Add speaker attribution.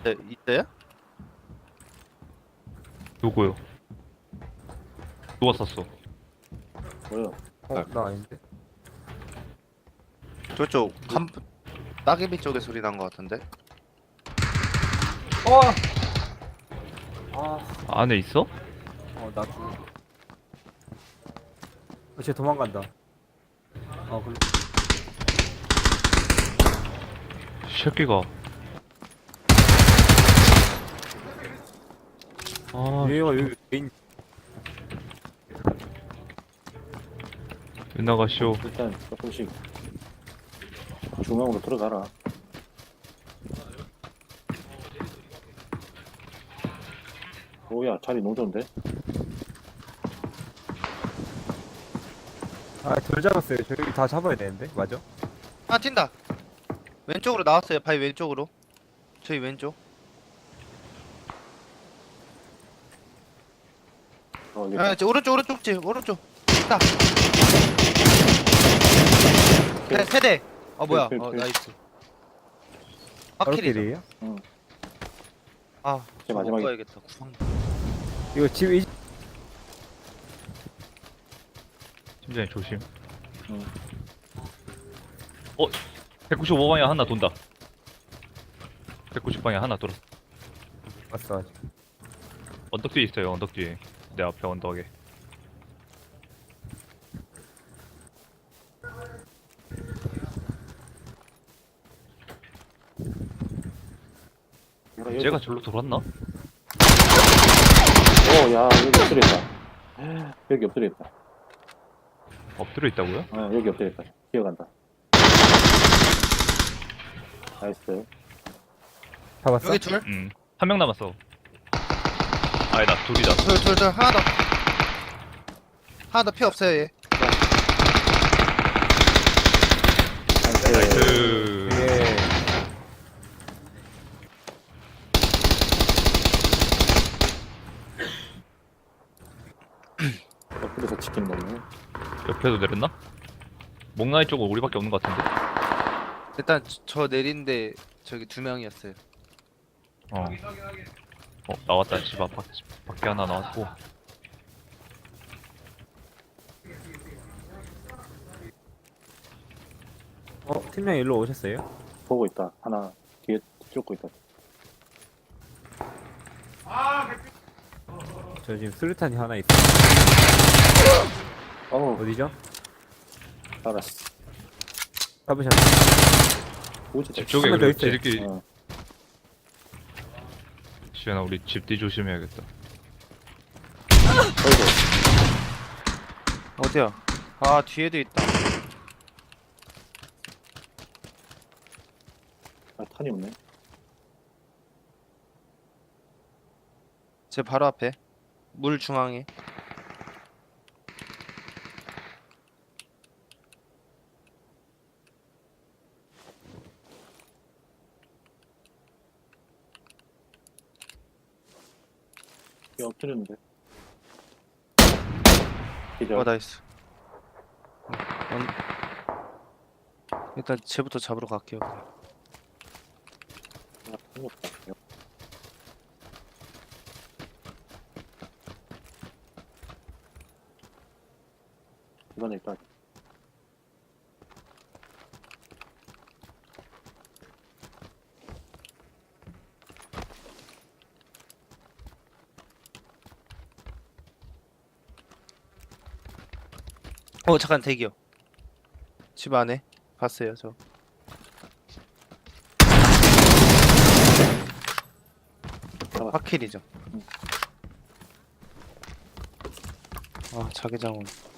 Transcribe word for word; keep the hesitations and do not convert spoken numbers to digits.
Speaker 1: 네, 있어요?
Speaker 2: 누구요? 누가 쐈어?
Speaker 3: 뭐야?
Speaker 4: 어, 나 아닌데.
Speaker 1: 저쪽 간 따개비 쪽에 소리 난 것 같은데.
Speaker 4: 어! 아,
Speaker 2: 안에 있어?
Speaker 4: 어, 나 죽어. 어, 쟤 도망간다. 어, 그
Speaker 2: 이 새끼가. 아,
Speaker 4: 얘가 여기 메인.
Speaker 2: 왜 나가시오?
Speaker 3: 일단 조금씩 중앙으로 들어가라. 오야 자리 너무 좋은데?
Speaker 4: 아, 돌 잡았어요. 저기 다 잡아야 되는데, 맞아?
Speaker 1: 아 튄다. 왼쪽으로 나왔어요. 바위 왼쪽으로. 저희 왼쪽.
Speaker 3: 어 여기
Speaker 1: 아, 저 오른쪽 오른쪽 집 오른쪽. 있다. 네, 세대. 어 뭐야?
Speaker 3: 필, 필,
Speaker 1: 어
Speaker 3: 필.
Speaker 1: 나이스.
Speaker 4: 바로
Speaker 1: 확킬이죠.
Speaker 4: 길이에요?
Speaker 3: 응.
Speaker 1: 아,
Speaker 3: 이제 마지막에-
Speaker 1: 가야겠다. 구상.
Speaker 4: 이거 집, 이,
Speaker 2: 팀장님 조심.
Speaker 3: 응.
Speaker 2: 어? 백구십오 방향 하나 돈다. 백구십 방향 하나 돌아.
Speaker 4: 왔어, 아직.
Speaker 2: 언덕 뒤에 있어요. 언덕 뒤에. 내 앞에 언덕에.
Speaker 3: 뭐라, 여기-
Speaker 2: 쟤가 절로 돌았나?
Speaker 3: 어, 야 여기 엎드려 있다. 여기 엎드려 있다.
Speaker 2: 엎드려 있다고요?
Speaker 3: 어 여기 엎드려 있다. 기어간다. 나이스.
Speaker 4: 잡았어?
Speaker 1: 여기 둘.
Speaker 2: 응. 한 명 남았어. 아니다, 둘이다.
Speaker 1: 둘, 둘, 둘. 하나 더. 하나 더 피 없어요, 얘.
Speaker 3: 나이스.
Speaker 2: 나이스.
Speaker 4: 예.
Speaker 3: 엎드려서 치킨 먹네.
Speaker 2: 옆에도 내렸나? 목나이 쪽은 우리밖에 없는 것 같은데.
Speaker 1: 일단 저- 저 내린데 저기 두 명이었어요.
Speaker 2: 어. 어, 나왔다. 집 앞, 밖, 밖에 하나 나왔고.
Speaker 4: 어, 팀장 일로 오셨어요?
Speaker 3: 보고 있다. 하나 뒤에 쫓고 있다.
Speaker 4: 저 지금 수류탄이 하나 있어.
Speaker 3: 어우
Speaker 4: 어디죠?
Speaker 3: 알았어.
Speaker 4: 잡으셨나?
Speaker 3: 오지.
Speaker 2: 집 쪽에
Speaker 4: 한명더
Speaker 2: 그리고
Speaker 4: 있어요.
Speaker 2: 지들끼리.
Speaker 3: 어.
Speaker 2: 시연아, 우리 집 뒤 조심해야겠다.
Speaker 3: 어이구.
Speaker 1: 어디야? 아, 뒤에도 있다.
Speaker 3: 아 탄이 없네.
Speaker 1: 제 바로 앞에. 물 중앙에.
Speaker 3: 여기 엎드렸는데. 기절.
Speaker 1: 어, 나이스. 어, 원... 일단 쟤부터 잡으러 갈게요. 그냥.
Speaker 3: 아, 탄이 없다. 이번에 일단
Speaker 1: 어, 잠깐 대기요. 집 안에 봤어요, 저.
Speaker 3: 잡았어.
Speaker 1: 확킬이죠.
Speaker 3: 응.
Speaker 1: 아, 자기장은.